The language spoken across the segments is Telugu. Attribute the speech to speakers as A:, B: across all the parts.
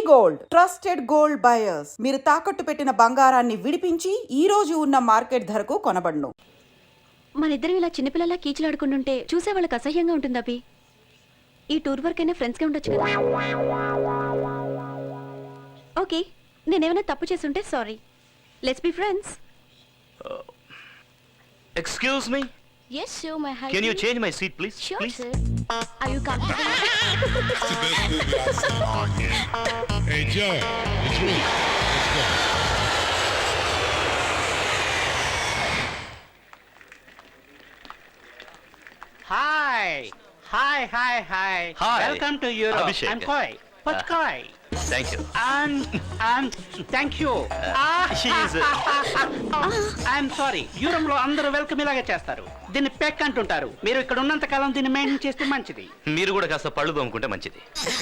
A: గోల్డ్ ట్రస్టెడ్ గోల్డ్ బయర్స్ మీరు తాకట్టు పెట్టిన బంగారాన్ని విడిపించి ఈ రోజు ఉన్న మార్కెట్ ధరకు కొనబడును.
B: మన ఇద్దరం ఇలా చిన్నపిల్లలా కీచులాడుకుంటుంటే చూసే వాళ్ళకి అసహ్యంగా ఉంటుంది అభి. ఈ టూర్ వర్క్ అయినా ఫ్రెండ్స్గా ఉండొచ్చు కదా. ఓకే, నేనేమైనా తప్పు చేస్తుంటే sorry. Let's be friends.
C: Excuse me?
B: Yes, sir, my husband.
C: Can you change my seat, please?
B: Sure,
C: Please?
B: sir. Are you comfortable?
D: Hey, Joe, it's me. Let's go.
E: Hi. Hi.
C: Hi.
E: Welcome to Europe.
C: Abhishek.
E: I'm Koi. What's Koi?
C: Thank you.
E: And thank you.
C: She is.
E: I'm sorry. Europe లో అందరూ వెల్కమ్ ఇలాగే చేస్తారు. దీన్ని పెక్ అంటుంటారు. మీరు ఇక్కడ ఉన్నంత కాలం దీన్ని మెయింటైన్ చేస్తే మంచిది.
C: మీరు కూడా కాస్త పళ్ళు తోముకుంటే మంచిది.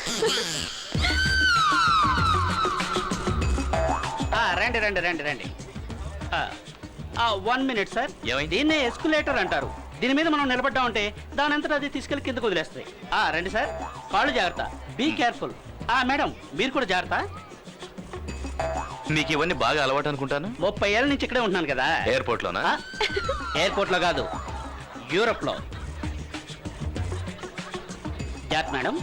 E: రండి. 1 minute సార్.
C: ఏమైంది?
E: దీన్నే ఎస్కులేటర్ అంటారు. దీని మీద మనం నిలబడ్డామంటే దాని అంతటా అది తీసుకెళ్లి కిందకు వదిలేస్తాయి. రండి సార్. కాళ్ళు జాగ్రత్త. Be careful. మేడం మీరు కూడా జాగ్రత్త.
C: మీకు ఇవన్నీ బాగా అలవాటు అనుకుంటాను.
E: 30 ఏళ్ళ నుంచి ఇక్కడే ఉంటున్నాను కదా.
C: ఎయిర్పోర్ట్ లోనా?
E: ఎయిర్పోర్ట్ లో కాదు, యూరోప్ లో. జాగ్రత్త మేడం.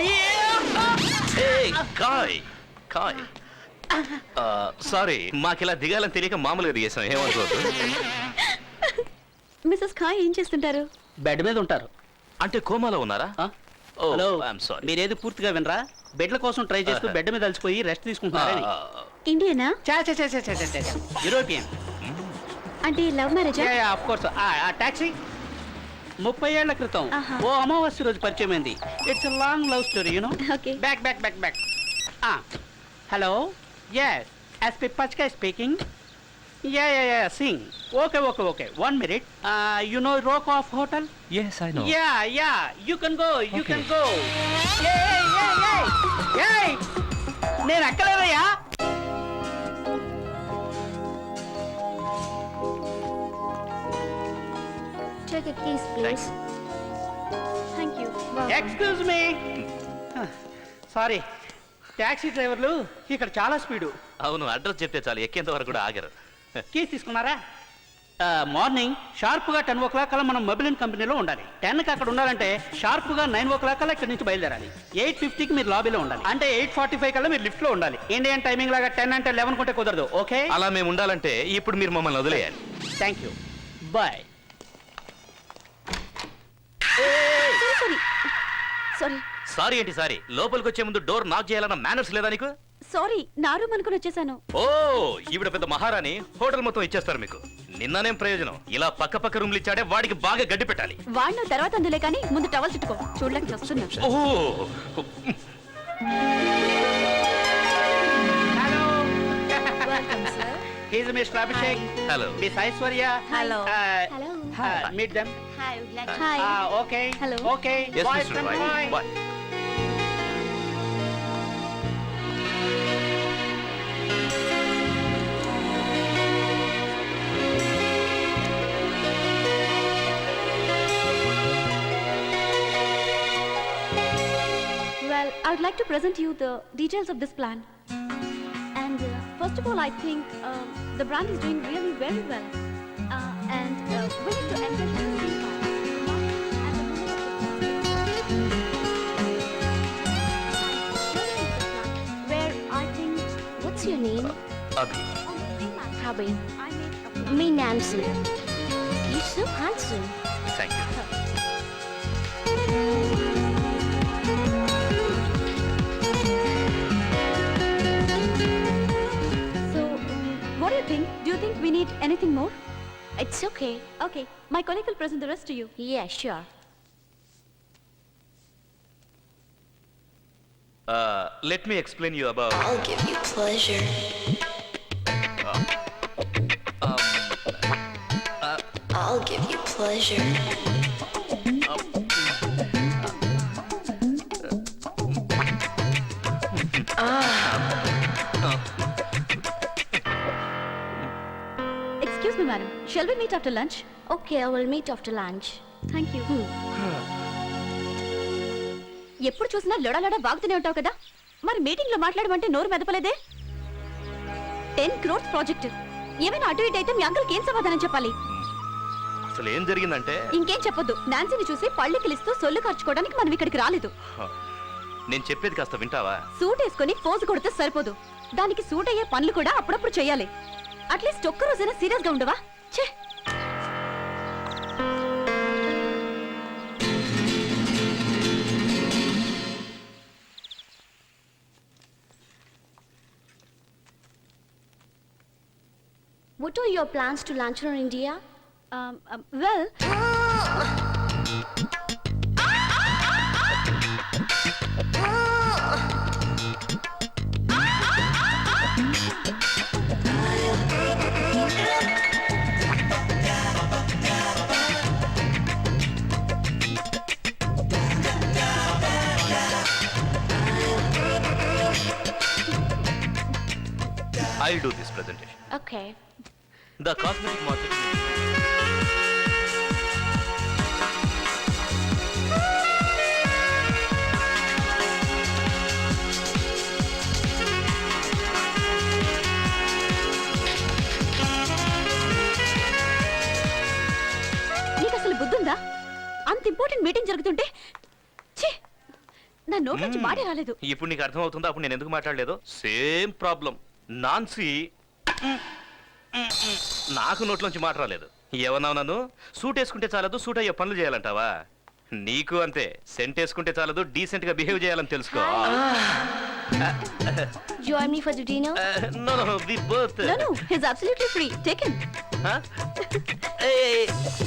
C: కాయ్ సారీ, మాకు ఇలా దిగాలని తెలియక మామూలుగా దిగేసాం. ఏమనుకోవద్దు.
B: మిస్సెస్ ఖాయ్ ఏం చేస్తుంటారు?
E: బెడ్ మీద ఉంటారు.
C: అంటే కోమాలో ఉన్నారా?
E: Hello,
C: I'm sorry.
E: మీరేది పూర్తిగా వినరా? బెడ్ల కోసం ట్రై చేస్తూ బెడ్ మీద అలసిపోయి రెస్ట్ తీసుకుంటున్నారని.
B: ఇండియనా?
E: యూరోపియన్.
B: అంటే లవ్ మ్యారేజా?
E: Of course. ఆ టాక్సీ 30 ఏళ్ల క్రితం ఓ అమావాస్య రోజు పరిచయం అయింది. It's long love story, you know.
B: Okay.
E: Back. Hello, yes, SP పచ్కా speaking. Yeah, sing. Okay. 1 minute. You know Rokoff Hotel?
C: Yes, I know.
E: Yeah. You can go. Hey! నేను అక్కలేదయ్యా.
B: Check a keys, please. Thank you.
E: Excuse me. Sorry, taxi డ్రైవర్లు ఇక్కడ చాలా స్పీడు.
C: అవును, అడ్రస్ చెప్తే చాలు, ఎక్కేంత వరకు కూడా ఆగరు.
E: కీస్ తీసుకున్నారా? మార్నింగ్ షార్ప్గా 10 o'clock కల్లా మనం మొబైల్ కంపెనీలో ఉండాలి. 10కి అక్కడ ఉండాలంటే షార్ప్గా 9 o'clock కల్లా ఇక్కడ నుంచి బయలుదేరాలి. 8:50కి మీరు లాబీలో ఉండాలి. అంటే 8:45 కల్లా మీరు లిఫ్ట్లో ఉండాలి. ఇండియన్ టైమింగ్ లాగా 10 అంటే 11 కొంటే కుదరదు. ఓకే?
C: అలా మేము ఉండాలంటే ఇప్పుడు మీరు మమ్మల్ని వదిలేయాలి.
E: Thank you. బాయ్.
B: సారీ.
C: ఏంటి సారీ? లోపలికి వచ్చే ముందు డోర్ నాక్ చేయాలన్న మేనర్స్ లేదా నీకు?
B: సారీ, నా రూమ్ అనుకుని వచ్చేసాను.
C: ఓ, ఈవిడ పెద్ద మహారాణి, హోటల్ మొత్తం ఇచ్చేస్తారు మీకు. నిన్ననేం ప్రయోజనం? ఇలా పక్క రూమ్లు ఇచ్చాడే, వాడికి బాగా గడ్డి పెట్టాలి.
B: వాడిన తర్వాత అందులే కానీ ముందు టవల్ చుట్టుకో. చూడలేక వస్తున్నా.
C: Oh,
E: hello. He's mister Abhishek.
C: Hello.
E: Miss Aishwarya.
B: Hello.
E: Meet them.
B: Hi.
E: Okay.
B: Hello.
E: Okay.
C: yes,
E: Boy
C: Mr.
E: from
C: Roy.
E: boy.
C: Bye.
B: Well, I would like to present you the details of this plan. And first of all, I think the brand is doing really very well. And we need to engage in the where I think.
F: What's your name?
C: Abhi.
F: Abhi.
B: I made a
F: Me, Nancy. You're so handsome.
C: Thank you.
B: So, what do you think? Do you think we need anything more?
F: It's okay.
B: Okay, my colleague will present the rest to you.
F: Yeah, sure.
C: Let me explain you about.
F: I'll give you pleasure. I'll give you pleasure.
B: Excuse me, madam. Shall we meet after lunch?
F: Okay, I will meet after lunch.
B: Thank you. ఎప్పుడు చూసినా లొడలొడ వాగుతూనే ఉంటావు కదా. మరి మీటింగ్ లో మాట్లాడమంటే నోరు మెదపలేదే? 10 crores ప్రాజెక్ట్. ఏమైనా అటు ఇటు అయితే మీ అంకుల్కి ఏం సమాధానం చెప్పాలి?
C: అసలు ఏం జరిగిందంటే
B: ఇంకేం చెప్పొద్దు. నాన్సీని చూసి పళ్ళు కిలిస్తూ సొల్లు ఖర్చుకోవడానికి మనం ఇక్కడికి రాలేదు.
C: నేను చెప్పేది కాస్త వింటావా?
B: సూట్ వేసుకొని పోజు కొడితే సరిపోదు. దానికి సూట్ అయ్యే పనులు కూడా అప్పుడప్పుడు చేయాలి. అట్లీస్ట్ ఒక్క రోజైనా సీరియస్ గా ఉండవా? ఛే!
F: What are your plans to launch on India?
B: Well,
C: I'll do this presentation.
F: Okay.
C: The cosmetic market.
B: నీకు అసలు బుద్ధుందా? అంత ఇంపార్టెంట్ మీటింగ్ జరుగుతుంటే ఛీ! నా నోటి నుంచి మాట రాలేదు.
C: ఇప్పుడు నీకు అర్థం అవుతుందా అప్పుడు నేను ఎందుకు మాట్లాడలేదు? Same problem. నాన్సీ నాకు నోట్లోంచి మాట రాలేదు. ఏమన్నావు నన్ను? సూట్ వేసుకుంటే చాలదు, సూట్ అయ్యే పనులు చేయాలంటావా? నీకు అంతే. సెంట్ వేసుకుంటే చాలదు, డీసెంట్ గా బిహేవ్ చేయాలని తెలుసుకో.
F: Join me for the dinner?
C: No, we both.
B: No, he's absolutely free. Take him.
C: Huh? Hey.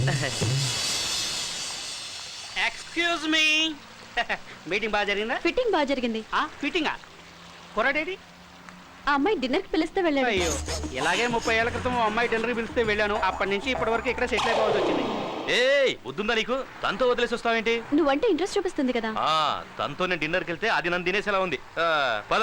E: Excuse me. Meeting బాగా జరిగిందా?
B: ఫిట్టింగ్ బాగా జరిగింది.
E: ఫిట్టింగా కుర్రాడేడి?
B: ఆ అమ్మాయి డిన్నర్ కి పిలిస్తే వెళ్ళాడు.
E: అయ్యో, ఇలాగే 30 ఏళ్ల క్రితం ఓ అమ్మాయి డిన్నర్ పిలిస్తే వెళ్ళాను. అప్పటి నుంచి ఇప్పటి వరకు ఇక్కడ సెటిల్ అయిపోవాల్సి వచ్చింది.
C: ఏయ్, బుద్ధుందా నీకు? తనతో వదిలేసి వస్తావేంటి?
B: నువ్వంటే ఇంట్రెస్ట్ చూపిస్తుంది కదా.
C: తనతో నేను డిన్నర్కి వెళ్తే అది నన్ను తినేసేలా ఉంది. పద.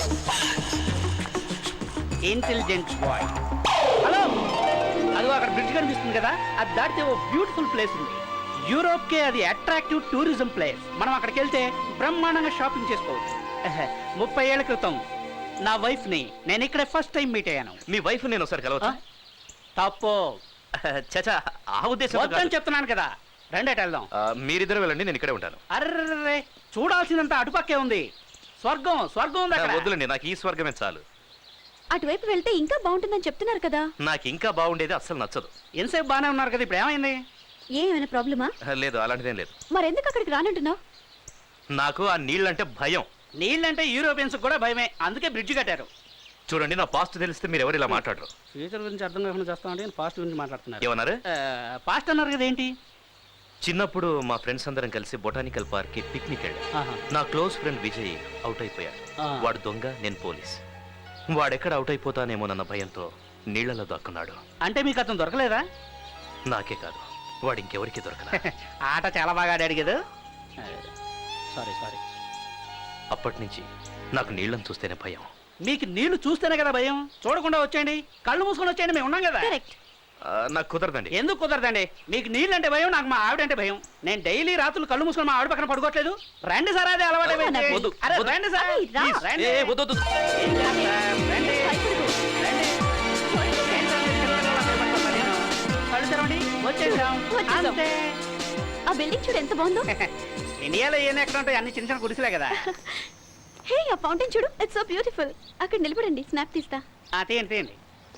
E: Intelligent boy. హలో, అదిగో అక్కడ బ్రిడ్జ్ కనిపిస్తుంది కదా, అది దాటితే ఓ బ్యూటిఫుల్ ప్లేస్ ఉంది. యూరోప్ కే అది అట్రాక్టివ్ టూరిజం ప్లేస్. మనం అక్కడికి వెళ్తే బ్రహ్మాండంగా షాపింగ్ చేసుకోవచ్చు. 30 ఏళ్ల క్రితం నా వైఫ్ ని నేను ఇక్కడ ఫస్ట్ టైం మీట్ అయ్యాను.
C: మీ వైఫ్ నేను ఒకసారి కలవచ్చా?
E: తప్పు.
C: చచా, ఆ ఉద్దేశం
E: వద్దని చెప్తున్నాను కదా. రెండేట వెళ్దాం.
C: మీరిద్దరు వెళ్ళండి, నేను ఇక్కడే ఉంటాను.
E: అర్రే, చూడాల్సిందంతా అటుపక్కే ఉంది. స్వర్గం స్వర్గం ఉంది అక్కడ.
C: వద్దులండి, నాకు ఈ స్వర్గమే చాలు.
B: అటువైపు వెళ్తే ఇంకా బాగుంటుందని చెప్తున్నారు కదా.
C: నాకు ఇంకా బాగుండేది అస్సలు నచ్చదు.
E: ఎంతసేపు బాగానే ఉన్నారు కదా, ఇప్పుడు ఏమైంది?
B: ఏమైనా ప్రాబ్లమా?
C: లేదు, అలాంటిదేం లేదు.
B: మరెందుకు అక్కడికి రానంటున్నావు?
C: నాకు ఆ నీళ్ళంటే భయం.
E: నీళ్ళంటే యూరోపియన్స్ కూడా భయమే, అందుకే బ్రిడ్జ్ కట్టారు.
C: చూడండి, నా పాస్ట్ తెలిస్తే మీరు ఎవరు ఇలా మాట్లాడరు.
E: ఫ్యూచర్ గురించి అర్థం కాకుండా చేస్తామంటే పాస్ట్ గురించి మాట్లాడుతున్నారు.
C: ఏమన్నారు?
E: పాస్ట్ అన్నారు కదా, ఏంటి?
C: చిన్నప్పుడు మా ఫ్రెండ్స్ అందరం కలిసి బొటానికల్ పార్క్ కి పిక్నిక్ వెళ్ళాం.
E: ఆహా.
C: నా క్లోజ్ ఫ్రెండ్ విజయ్ అవుట్ అయిపోయాడు. వాడు దొంగ, నేను పోలీస్. వాడెక్కడ అవుట్ అయిపోతానేమోనన్న భయంతో నీళ్లలో దాక్కున్నాడు.
E: అంటే మీకు అతను దొరకలేదా?
C: నాకే కాదు, వాడు ఇంకెవరికి దొరకలా.
E: ఆట చాలా బాగా ఆడాడు కదా. సారీ.
C: అప్పటి నుంచి నాకు నీళ్ళని చూస్తేనే భయం.
E: మీకు నీళ్లు చూస్తేనే కదా భయం. చూడకుండా వచ్చేయండి, కళ్ళు మూసుకొని వచ్చేయండి, మేము ఉన్నాం కదా.
B: కరెక్ట్.
C: నాకు కుదరదండి.
E: ఎందుకు కుదరదండి? మీకు నీళ్ళు అంటే భయం, నాకు మా ఆవిడంటే భయం. నేను డైలీ రాత్రులు కళ్ళు మూసుకొని మా ఆవిడ పక్కన పడుకోవట్లేదు. రండి సార్, అదే అలవాటు అయిపోయింది.
C: వద్దు,
E: అరే,
C: వద్దు.
E: రండి సార్,
B: అరే, రా.
E: ప్లీజ్, రండి.
C: వద్దు.
E: ఏం చేస్తారు? రండి. రండి. ఏంటో మీరు చిన్నపిల్లలా భయపడుతున్నారు నేను. కళ్ళు తెరవండి, వచ్చేసాం.
B: వచ్చేసాం.
E: అంతే.
B: ఆ బిల్డింగ్ చూడు ఎంత బాగుందో.
E: ఇండియాలో ఏం ఎక్కడ ఉంటాయి, అన్ని చిన్న చిన్న గుడిసెలే కదా.
B: హే, ఆ ఫౌంటైన్ చూడు, ఇట్స్ సో బ్యూటిఫుల్. అక్కడ నిలబడండి, స్నాప్ తీస్తా.
E: తీయండి.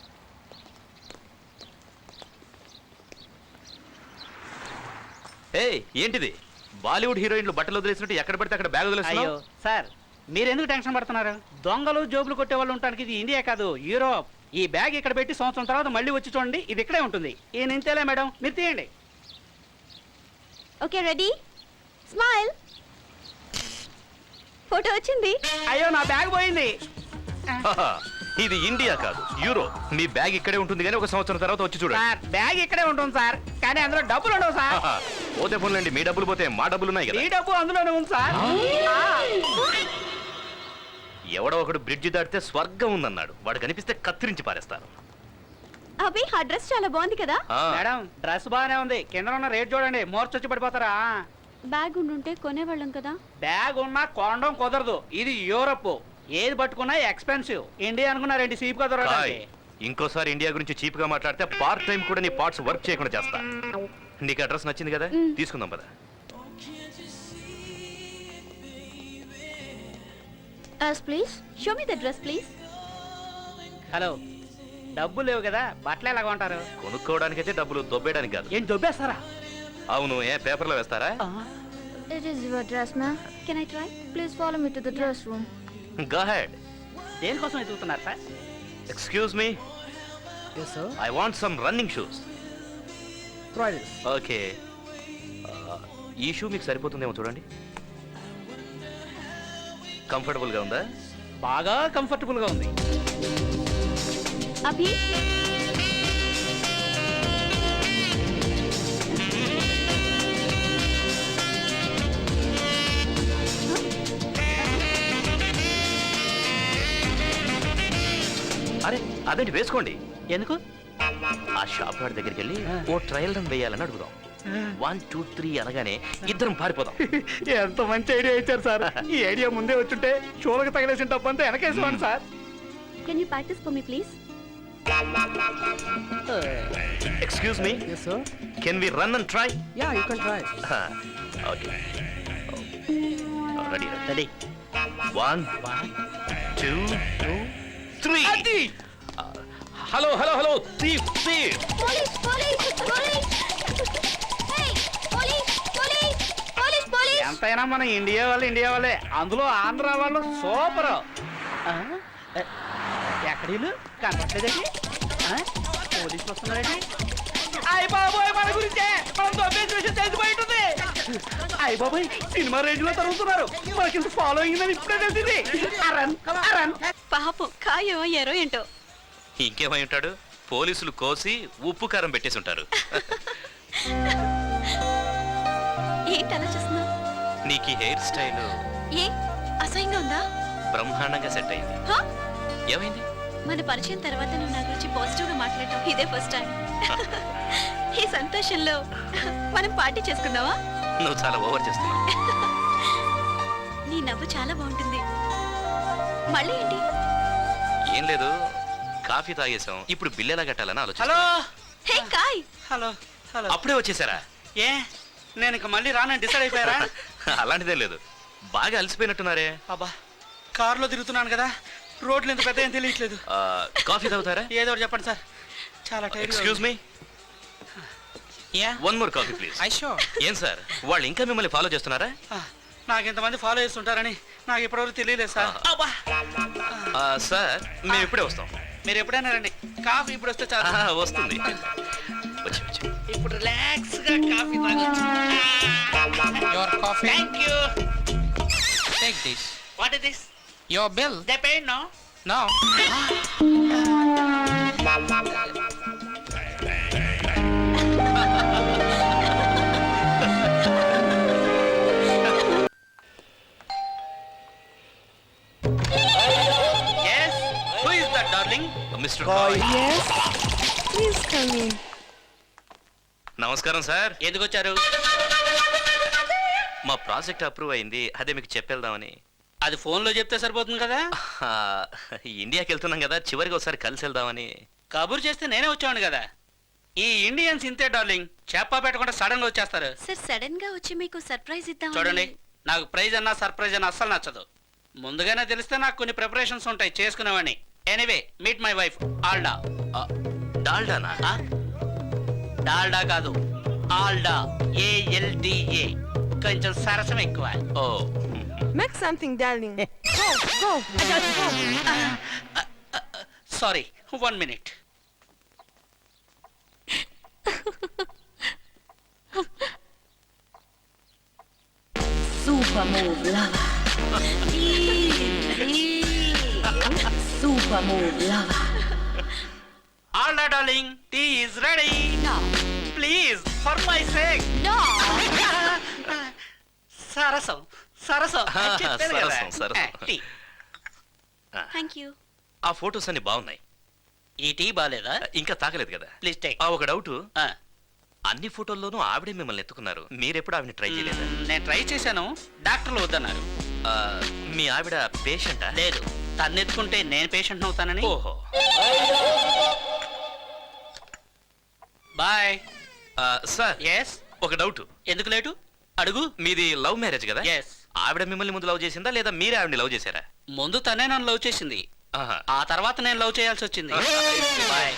C: ఏయ్, ఏంటిది? బాలీవుడ్ హీరోయిన్లు బట్టలు వదిలేసినట్టు ఎక్కడ పడితే అక్కడ బ్యాగ్
E: అయ్యో
C: వదిలేస్తున్నావు?
E: సార్, మీరు ఎందుకు టెన్షన్ పడుతున్నారు? దొంగలు జోబులు కొట్టే వాళ్ళు ఉండడానికి ఇది ఇండియా కాదు, యూరోప్. ఈ బ్యాగ్ ఇక్కడ పెట్టి సంవత్సరం తర్వాత మళ్ళీ వచ్చి చూడండి, ఇది ఇక్కడే ఉంటుంది. ఈ నింతేలే మేడం, మీరు తీయండి.
B: Okay, ready, smile. ఫోటో వచ్చింది.
E: అయ్యో, నా బ్యాగ్ పోయింది.
C: హాహా, ఇది ఇండియా కాదు, యూరో. మీ బ్యాగ్ ఇక్కడే ఉంటుంది కానీ ఒక సంవత్సరం తర్వాత వచ్చి చూడండి.
E: సార్, బ్యాగ్ ఇక్కడే ఉంటుంది సార్, కానీ అందులో డబ్బులు ఉండవు సార్.
C: హాహా, పోతే పోన్లేండి, మీ డబ్బులు పోతే మా డబ్బులు ఉన్నాయి కదా.
E: ఈ డబ్బు అందులోనే ఉంది సార్.
C: ఎవడో ఒకడు బ్రిడ్జి దాటితే స్వర్గం ఉందన్నాడు. వాడు కనిపిస్తే కత్తిరించి పారేస్తారు.
B: అభి, ఆ డ్రెస్ చాలా బాగుంది కదా.
C: ఆ,
E: మేడం, డ్రెస్ బాగానే ఉంది, కింద ఉన్న రేట్ చూడండి, మోర్చొచ్చి పడిపోతారా.
B: బ్యాగ్ ఉండుంటే కొనేవాళ్ళం కదా.
E: బ్యాగ్ ఉన్నా కొనడం కుదరదు, ఇది యూరప్. ఏది పట్టుకున్నా ఎక్స్పెన్సివ్. ఇండియా అనుకున్నారేంటి చీప్ గా
C: కాయ్,
E: దొరకడానికి?
C: ఇంకోసారి ఇండియా గురించి చీప్ గా మాట్లాడితే పార్ట్ టైం కూడా నీ పార్ట్స్ వర్క్ చేయకుండా చేస్తా. నీకు అడ్రస్ నచ్చింది కదా, తీసుకుందాం పద.
F: As please.
B: Show me the dress, please.
E: Hello, డబ్బులు లేవు కదా, బట్టలు ఎలాగ ఉంటారు?
C: కొనుక్కోవడానికైతే డబ్బులు, దొబ్బేయడానికి కాదు.
E: ఏం దొబ్బేస్తారా?
C: అవును, ఏ పేపర్లో వేస్తారా?
F: It is your dress, ma'am.
B: Can I try?
F: Please follow me to the dress room.
C: Go ahead.
E: దేనికోసం ఎదుగుతున్నారు sir?
C: Excuse me,
E: Yes, sir.
C: I want some running shoes.
E: Try this.
C: Okay, ఈ షూ మీకు సరిపోతుందేమో చూడండి. కంఫర్టబుల్ గా ఉందా?
E: బాగా కంఫర్టబుల్ గా ఉంది.
B: Abhi?
C: అరే అదేంటి, వేసుకోండి.
E: ఎందుకు?
C: ఆ షాప్ వాడి దగ్గరికి వెళ్ళి ఓ ట్రయల్ రన్ వేయాలని అడుగుదాం. 1 2 3 అనగానే ఇద్దరం పారిపోదాం.
E: ఎంత మంచి ఐడియా ఇచ్చారు సార్. ఈ ఐడియా ముందే వచ్చుంటే షోలకు తగిలేసిన తప్పంతా వెనకేసేవాడి sir.
B: Can you practice for me, please?
C: Excuse me,
G: Yes, sir.
C: Can we run and try?
G: Yeah, you can try.
C: Okay, ready
E: ready.
C: 1 2 3. Hello hello hello, thief thief.
F: Police! Police! Police! Hey! Police! Police! Police! Police!
E: ఎంతైనా మన ఇండియా వాళ్ళే, అందులో ఆంధ్ర వాళ్ళు సూపర్. ఎక్కడ వీళ్ళు కనపట్లేదండి? పోలీసులు వస్తున్నారండి. అయ్య బాబోయ్, మన గురించే, మనం దొబ్బేసి విషయం తెలిసిపోయి ఉంటుంది. అయ్య బాబోయ్, సినిమా రేంజ్ లో తరుగుతున్నారు. మనకి ఫాలో అయిందని ఇప్పుడే తెలిసింది. అరన్ అరన్.
B: పాపం ఖాయం అయ్యారో ఏంటో.
C: ఇంకేమై ఉంటాడు, పోలీసులు కోసి ఉప్పు కారం పెట్టేసి ఉంటారు.
B: ఏంటి అలా చూస్తున్నావు?
C: నీకు హెయిర్ స్టైల్
B: ఏ అసహ్యంగా ఉందా?
C: బ్రహ్మాండంగా సెట్ అయింది.
B: హా?
C: ఏమైంది?
B: మన పరిచయం తర్వాత నువ్వు నా గురించి పాజిటివ్ గా మాట్లాడటం ఇదే ఫస్ట్ టైం. ఈ సంతోషంలో మనం పార్టీ చేసుకుందావా?
C: నువ్వు చాలా ఓవర్ చేస్తున్నావు.
B: నీ నవ్వు చాలా బాగుంటుంది. మళ్ళీ ఏంటి?
C: ఏం లేదు, కాఫీ తాగేసాం, ఇప్పుడు బిల్ ఎలా కట్టాలని ఆలోచన.
E: హలో
B: హే కాయ్,
E: హలో హలో.
C: అప్పుడే వచ్చేసారా?
E: ఏ నేను ఇక మళ్ళీ రానని డిసైడ్ అయిపోయారా?
C: అలాంటిదే లేదు, బాగా అలసిపోయినట్టున్నారే.
E: అబ్బా, కారులో తిరుగుతున్నాను కదా, రోడ్లు ఎంత పెద్ద ఏం తెలియట్లేదు.
C: కాఫీ తాగుతారా?
E: ఏదో ఒకటి చెప్పండి సార్, చాలా tired.
C: Excuse me, one more coffee please.
G: I sure.
C: ఏం సార్, వాళ్ళు ఇంకా మిమ్మల్ని ఫాలో చేస్తున్నారా?
E: నాకు ఇంతమంది ఫాలో చేస్తుంటారంని నాకు ఇప్పటివరకు తెలియలేదు సార్. అబ్బా,
C: సార్ మేము ఇప్పుడే వస్తాం.
E: మీరు ఎప్పుడైనా రండి, కాఫీ ఇప్పుడు వస్తే చాలు.
C: వస్తుంది, వచ్చి వచ్చి.
E: ఇప్పుడు రిలాక్స్ గా కాఫీ తాగొచ్చు.
G: Your coffee.
E: Thank you.
G: Take this.
E: What is this?
G: Your bill.
E: They paid no?
G: No.
E: yes, who is that darling?
C: Mister కాయ్.
H: Yes, please come in.
C: నమస్కారం సార్.
E: ఎందుకు వచ్చారు?
C: మా ప్రాజెక్ట్ అప్రూవ్ అయింది, అదే మీకు చెప్పేద్దామని.
E: అది ఫోన్ లో చెప్తే సరిపోతుంది కదా.
C: ఆ, ఇండియాకి వెళ్తున్నాం కదా, చివరికి ఒకసారి కలిసి వెళ్దామని.
E: కబురు చేస్తే నేనే వచ్చాను కదా. ఈ ఇండియన్స్ ఇంతే డార్లింగ్, చెప్పా పెట్టకుండా సడన్ గా వచ్చేస్తారు.
B: సార్ సడన్ గా వచ్చి మీకు సర్ప్రైజ్ ఇద్దాం.
E: చూడండి, నాకు ప్రైజ్ అన్నా సర్ప్రైజ్ అన్నా అస్సలు నచ్చదు. ముందుగానే తెలిస్తే నాకు కొన్ని ప్రిపరేషన్స్ ఉంటాయి, చేసుకునేవాడిని. Anyway, meet my wife Alda.
C: డాల్డానా?
E: డాల్డా కాదు, ఆల్డా, ALDA. కొంచెం సరసం ఎక్కువ.
C: Oh,
H: Make something, darling. Go, go. Go.
E: Sorry, 1 minute.
I: Super move, lover. Super move, lover.
E: Alda darling, tea is ready.
B: No.
E: Please, for my sake.
B: No.
E: సరసం సరసం చెప్పాను కదా.
C: సరసం, సరసం.
E: టీ.
B: Thank you.
C: ఆ ఫొటోస్ అన్ని బాగున్నాయి.
E: ఈ టీ బాలేదా?
C: ఇంకా తాగలేదు కదా.
E: Please take.
C: ఒక డౌట్, అన్ని ఫోటోల్లోనూ ఆవిడే మిమ్మల్ని ఎత్తుకున్నారు, మీరెప్పుడు ఆవిడని ట్రై చేయలేదా?
E: నేను ట్రై చేశాను, డాక్టర్లు వద్దన్నారు.
C: మీ ఆవిడ పేషెంటా?
E: లేదు, తన్నెత్తుకుంటే నేను పేషెంట్ అవుతానని.
C: ఓహో.
E: బాయ్.
C: Sir,
E: yes.
C: ఒక డౌట్.
E: ఎందుకు లేటు? అడుగు.
C: మీది లవ్ మ్యారేజ్ కదా?
E: ఎస్.
C: ఆవిడ మిమ్మల్ని ముందు లవ్ చేసిందా లేదా మీరే ఆవిడని లవ్ చేశారా?
E: ముందు తనే నన్ను లవ్ చేసింది,
C: ఆహా.
E: ఆ తర్వాత నేను లవ్ చేయాల్సి వచ్చింది. బాయ్.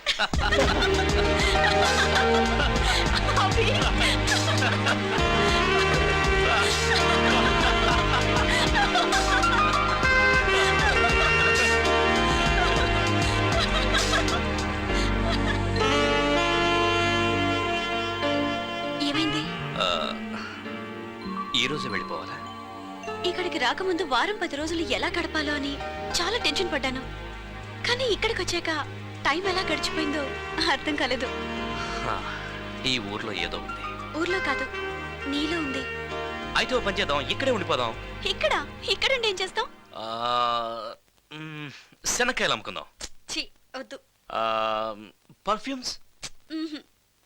B: ఏమైంది?
C: ఆ, ఈ రోజు వెళ్ళిపోవాలా?
B: ఇక్కడికి రాకముందు వారం 10 రోజులు ఎలా గడపాలో అని చాలా టెన్షన్ పడ్డాను. కానీ ఇక్కడికి వచ్చాక టైం ఎలా గడిచిపోయిందో అర్థం కాలేదు.
C: ఆ, ఈ ఊర్లో ఏదో ఉంది.
B: ఊర్లో కాదు, నీలో ఉంది.
C: అయితే ఓ పని చేద్దాం, ఇక్కడే ఉండిపోదాం.
B: ఇక్కడుండి ఏం చేస్తాం?
C: శనక్కాయలు అమ్ముకుందాం.
B: ఛీ, వద్దు.
C: పర్ఫ్యూమ్స్,
B: మ్మ్హ్.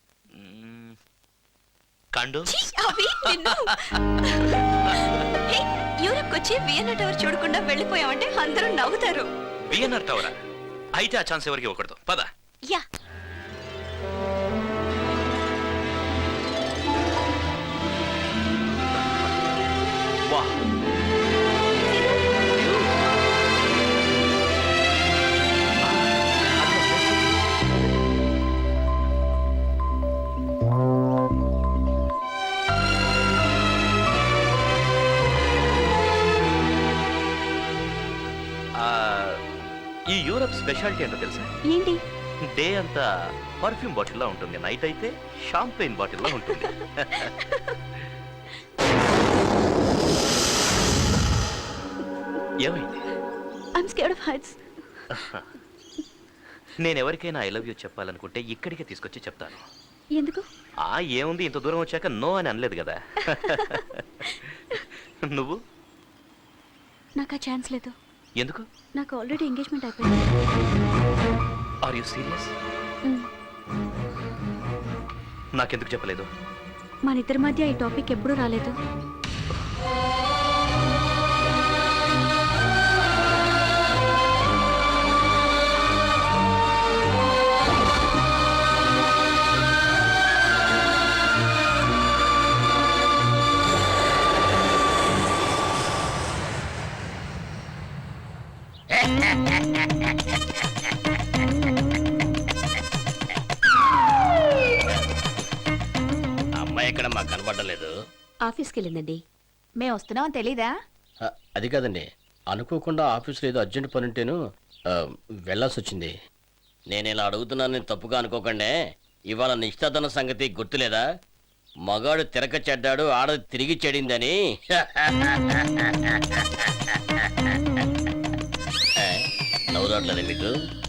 C: కండోమ్స్.
B: ఛీ, అవి నిన్ను. హే, యూరప్కి వచ్చి వియన్నా టవర్ చూడకుండా వెళ్ళిపోయామంటే అందరూ నవ్వుతారు.
C: వియన్నా టవరా? అయితే ఆ ఛాన్స్ ఎవరికి ఇవ్వకూడదు. పద.
B: యా.
C: వా. ఈ యూరప్ స్పెషాలిటీ ఏంటో తెలుసా?
B: ఏంటి?
C: డే అంతా పర్ఫ్యూమ్ బాటిల్లో ఉంటుంది, నైట్ అయితే షాంపెయిన్ బాటిల్లో ఉంటుంది. ఏమైంది?
B: I'm scared of heights.
C: నేను ఎవరికైనా ఐ లవ్ యూ చెప్పాలనుకుంటే ఇక్కడికే తీసుకొచ్చి చెప్తాను.
B: ఎందుకు?
C: ఏముంది, ఇంత దూరం వచ్చాక నో అని అనలేదు కదా. నువ్వు?
B: నాకు ఆ ఛాన్స్ లేదు.
C: ఎందుకు?
B: నాకు ఆల్రెడీ ఎంగేజ్మెంట్ అయిపోయింది.
C: Are you serious? నాకెందుకు చెప్పలేదు?
B: మన ఇద్దరి మధ్య ఈ టాపిక్ ఎప్పుడూ రాలేదు.
I: అమ్మాయి ఎక్కడ మాకు కనబడలేదు.
B: ఆఫీస్కి వెళ్ళిందండి. మేము వస్తున్నామని తెలీదా?
I: అది కాదండి, అనుకోకుండా ఆఫీస్లో ఏదో అర్జెంట్ పని ఉంటేను వెళ్ళాల్సి వచ్చింది. నేను ఇలా అడుగుతున్నానని తప్పుగా అనుకోకండి. ఇవాళ నిశ్చితార్థన సంగతి గుర్తులేదా? మగాడు తిరక చెడ్డాడు, ఆడది తిరిగి చెడిందని. నవ్వురాట్లేదు మీకు?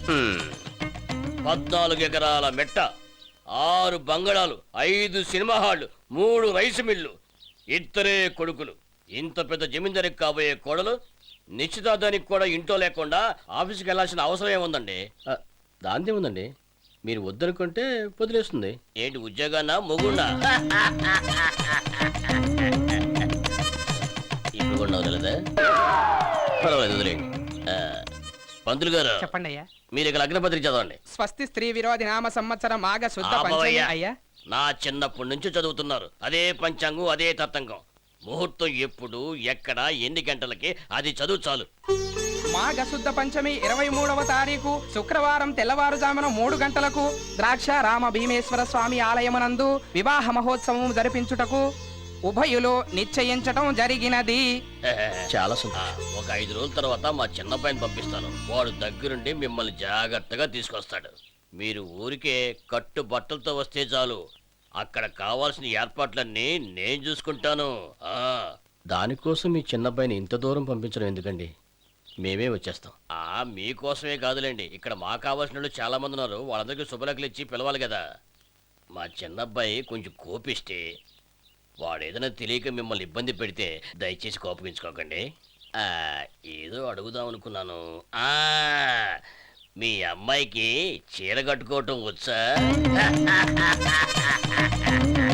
I: 14 ఎకరాల మెట్ట, 6 బంగళాలు, 5 సినిమా హాళ్లు, 3 రైసు మిల్లు, 2 కొడుకులు. ఇంత పెద్ద జమీందారికి కాబోయే కోడలు నిశ్చితార్థానికి కూడా ఇంట్లో లేకుండా ఆఫీస్కి వెళ్ళాల్సిన అవసరం ఏముందండి? దాందే ఉందండి, మీరు వద్దనుకుంటే వదిలేస్తుంది. ఏంటి ఉద్యోగాన్నా మొగున్నా? ఇప్పుడు కూడా వదలదా? పర్వాలేదు, వదిలేండి. పంతులు గారు
E: చెప్పండి అయ్యా.
I: మీరు ఇక్కడ లగ్నపత్రిక చదవండి.
E: స్వస్తి స్త్రీ విరోధి నామ సంవత్సరం మాఘ శుద్ధ పంచమి. అయ్యా,
I: నా చిన్నప్పటి నుంచి చదువుతున్నారు. అదే పంచాంగం, అదే తత్తంగం. ముహూర్తం ఎప్పుడు, ఎక్కడ, ఎన్ని గంటలకి, అది చదువు చాలు.
E: మాఘ శుద్ధ పంచమి 23వ తారీఖు శుక్రవారం తెల్లవారుజామున 3 గంటలకు ద్రాక్ష రామ భీమేశ్వర స్వామి ఆలయమునందు వివాహ మహోత్సవం జరిపించుటకు ఉభయులు నిశ్చయించటం జరిగినది.
I: చాలా సంతోషం. ఒక 5 రోజుల తర్వాత మా చిన్నబ్బాయిని పంపిస్తాను. వాడు దగ్గరుండి మిమ్మల్ని జాగ్రత్తగా తీసుకొస్తాడు. మీరు ఊరికే కట్టు బట్టలతో వస్తే చాలు. అక్కడ కావాల్సిన ఏర్పాట్లన్నీ నేను చూసుకుంటాను. దానికోసం మీ చిన్నబ్బాయిని ఇంత దూరం పంపించడం ఎందుకండి? మేమే వచ్చేస్తాం. మీకోసమే కాదులేండి, ఇక్కడ మాకు కావాల్సిన వాళ్ళు చాలా మంది ఉన్నారు. వాళ్ళందరికీ శుభలేఖలు ఇచ్చి పిలవాలి కదా. మా చిన్నబ్బాయి కొంచెం కోపిస్తే, వాడేదైనా తెలియక మిమ్మల్ని ఇబ్బంది పెడితే దయచేసి కోపగించుకోకండి. ఏదో అడుగుదాం అనుకున్నాను. మీ అమ్మాయికి చీర కట్టుకోవటం వచ్చా?